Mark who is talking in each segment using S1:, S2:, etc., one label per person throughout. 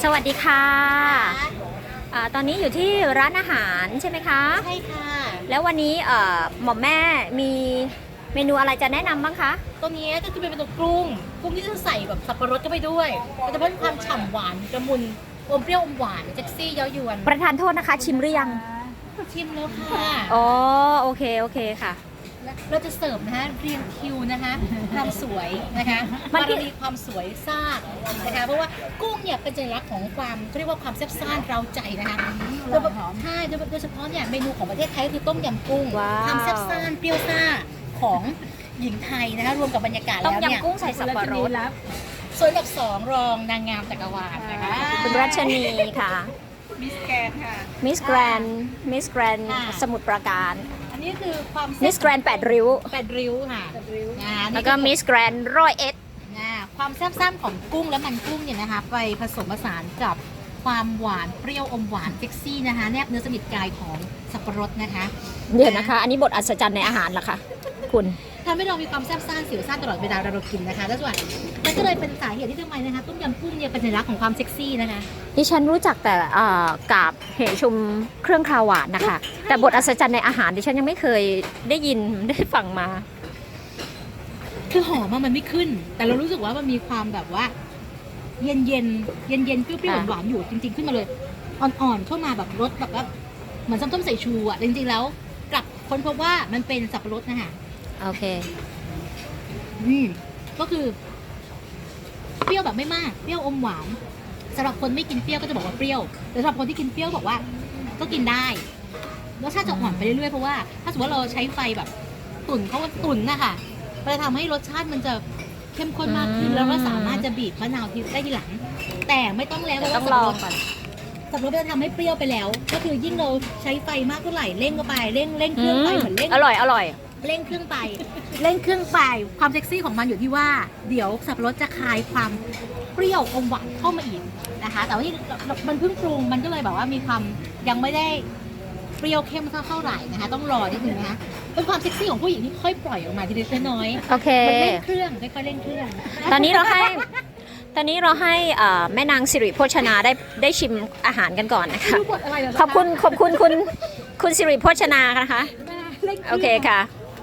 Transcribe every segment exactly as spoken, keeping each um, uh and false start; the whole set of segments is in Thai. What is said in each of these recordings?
S1: สวัสดีค่ะอ่าตอนนี้อยู่ที่ร้านอาหารใช่ไหมคะ
S2: ใช่ค่ะ
S1: แล้ววันนี้เอ่อหม่อมแม่มีเมนูอะไรจะแนะนำบ้างคะ
S2: ตัวนี้ก็คือเป็นตัวกุ้งกุ้งที่จะใส่แบบสับปะรดเข้าไปด้วยมันจะเพิ่มความฉ่ำหวานกระมุนอมเปรี้ยวอมหวานเซ็กซี่เย้ายวน
S1: ประทานโทษนะคะชิมหรือยัง
S2: ชิมแล้วค่ะ
S1: อ๋อโอเคโอเคค่ะ
S2: เราจะเสิร์ฟนะคะเรียงคิวนะคะความสวยนะคะมันมีความสวยซ่านะคะเพราะว่ากุ้งเนี่ยเป็นสัญลักษณ์ของความเขาเรียกว่าความแซ่บซ่านเราใจนะคะโดยใช่โดยเฉพาะเนี่ยเมนูของประเทศไทยก็คือต้มยำกุ้งความแซ่บซ่านเปรี้ยวซ่าของหญิงไทยนะคะรวมกับบรรยากาศแล้วเนี่ย
S1: ต้มยำกุ้งใส่สับปะรด
S2: ส่วนอันดับสองรองนางงามจักรวาลนะคะ
S1: คุณรัชนีค่ะ
S2: มิสแกรนค่ะ
S1: มิสแกรนมิสแกรนสมุทรปราการ
S2: อันนี้คือความ
S1: มิสแกรนแปดริ้ว
S2: แปดริ้วค่ะ
S1: แล้วก็มิสแกรนร้อยเอ็ด
S2: ความแซ่บซ่านของกุ้งและมันกุ้งเนี่ยนะคะไปผสมผสานกับความหวานเปรี้ยวอมหวานเซ็กซี่นะคะแนบเนื้อสนิทกายของสับปะรดนะคะ
S1: เดี๋ยวนะคะอันนี้บทอัศจรรย์ในอาหารเหรอคะคุณ
S2: ทำให้เรามีความแซ่บซ่านสิวซ่านตลอดเวลาเรากินนะคะแล้วส่วนมันก็เลยเป็นสาเหตุที่ทำไมนะคะต้มยำกุ้งเนี่ยเป็นสัญลักษณ์ของความเซ็กซี่นะคะ
S1: ดิฉันรู้จักแต่กาบเหชุมเครื่องคาวหวานนะคะแต่บทอัศจรรย์ในอาหารดิฉันยังไม่เคยได้ยินได้ฟังมา
S2: คือหอมมันไม่ขึ้นแต่เรารู้สึกว่ามันมีความแบบว่าเย็นเย็นเย็นเย็นเปรี้ยวๆหวานๆอยู่จริงๆขึ้นมาเลยอ่อนๆเข้ามาแบบรสแบบว่าเหมือนส้มๆใส่ชูอ่ะจริงๆแล้วกลับค้นพบว่ามันเป็นสับปะรดนะคะ
S1: โอเค
S2: อืมก็คือเปรี้ยวแบบไม่มากเปรี้ยวอมหวานสำหรับคนไม่กินเปรี้ยวก็จะบอกว่าเปรี้ยวแต่สำหรับคนที่กินเปรี้ยวบอกว่าก็กินได้รสชาติจะอ่อนไปเรื่อยๆเพราะว่าถ้าสมมติว่าเราใช้ไฟแบบตุ๋นเขาว่าตุ๋นนะคะมันจะทำให้รสชาติมันจะเข้มข้นมากขึ้นแล้วก็สามารถจะบีบมะนาวได้ทีหลังแต่ไม่ต้องแล้วเพราะว่าสับปะรดสับปะรดจะทำให้เปรี้ยวไปแล้วก็คือยิ่งเราใช้ไฟมากเท่าไหร่เร่งเข้าไปเร่งเร่งเครื่องไปเหมือนเร่ง
S1: อร่อยอร่อย
S2: เร่งเครื่องไปเร่งเครื่องไปความเซ็กซี่ของมันอยู่ที่ว่าเดี๋ยวสับปะรดจะคลายความเปรี้ยวอมหวานเข้ามาอีกนะคะแต่ว่าที่มันเพิ่งปรุงมันก็เลยแบบว่ามีความยังไม่ได้เปรี้ยวเข้มเท่าไหร่นะคะต้องรอนิดนึงนะคะเป็นความเซ็กซี่ของผู้หญิงที่ค่อยปล่อยออกมาทีละน้อย
S1: โอเค
S2: มันเร่งเครื่องค่อยๆเร่งเครื่อง
S1: ตอนนี้เราให้ตอนนี้เราให้แม่นางสิริโภชนาได้ได้ชิมอาหารกันก่อนนะคะขอบคุณขอบคุณคุณคุณสิริโภชนานะคะโอเคค่ะ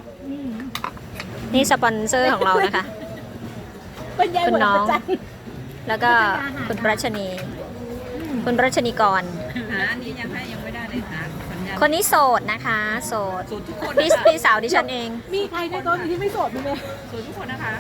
S1: นี่สปอนเซอร์ของเรานะคะคุณน้องแล้วก็คุณรัชนีคุณรัชนีกร
S3: อันนี้ยังให้ยังไม่ได้เลยค่ะ
S1: คนนี้โสดนะคะโสดพี่พี่สาวดิฉันเอง
S2: มีใครในโต๊ะที่ไม่โสดมีไหม
S3: โสดทุกคนนะคะ